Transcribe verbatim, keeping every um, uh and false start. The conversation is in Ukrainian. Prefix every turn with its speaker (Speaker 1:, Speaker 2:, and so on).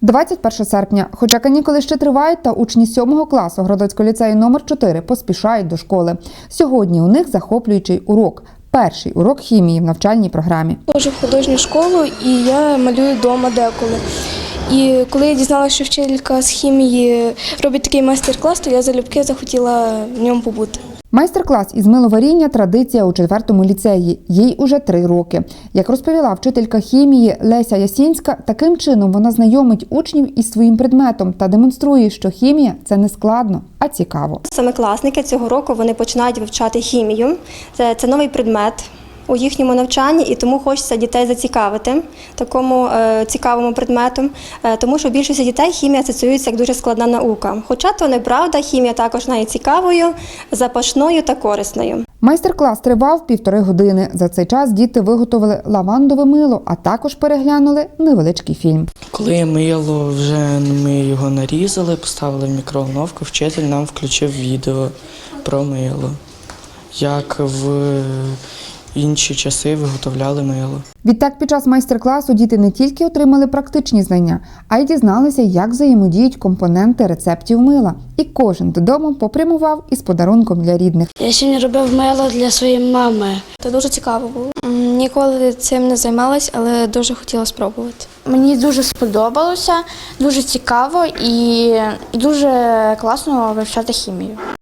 Speaker 1: двадцять перше серпня. Хоча канікули ще тривають, та учні сьомого класу Городоцького ліцею номер чотири поспішають до школи. Сьогодні у них захоплюючий урок. Перший урок хімії в навчальній програмі.
Speaker 2: Ходжу в художню школу і я малюю вдома деколи. І коли я дізналася, що вчителька з хімії робить такий майстер-клас, то я залюбки захотіла в ньому побути.
Speaker 1: Майстер-клас із миловаріння – традиція у четвертому ліцеї. Їй уже три роки. Як розповіла вчителька хімії Леся Ясінська, таким чином вона знайомить учнів із своїм предметом та демонструє, що хімія – це не складно, а цікаво.
Speaker 3: Семикласники цього року вони починають вивчати хімію. Це, це новий предмет у їхньому навчанні, і тому хочеться дітей зацікавити такому е, цікавому предметом, е, тому що у більшості дітей хімія асоціюється як дуже складна наука. Хоча то неправда, хімія також є цікавою, запашною та корисною.
Speaker 1: Майстер-клас тривав півтори години. За цей час діти виготовили лавандове мило, а також переглянули невеличкий фільм.
Speaker 4: Коли мило вже ми його нарізали, поставили в мікроволновку, вчитель нам включив відео про мило, як в інші часи виготовляли мило.
Speaker 1: Відтак, під час майстер-класу діти не тільки отримали практичні знання, а й дізналися, як взаємодіють компоненти рецептів мила. І кожен додому попрямував із подарунком для рідних.
Speaker 5: Я сьогодні робив мило для своєї мами.
Speaker 2: Це дуже цікаво було. Ніколи цим не займалась, але дуже хотіла спробувати.
Speaker 5: Мені дуже сподобалося, дуже цікаво і дуже класно вивчати хімію.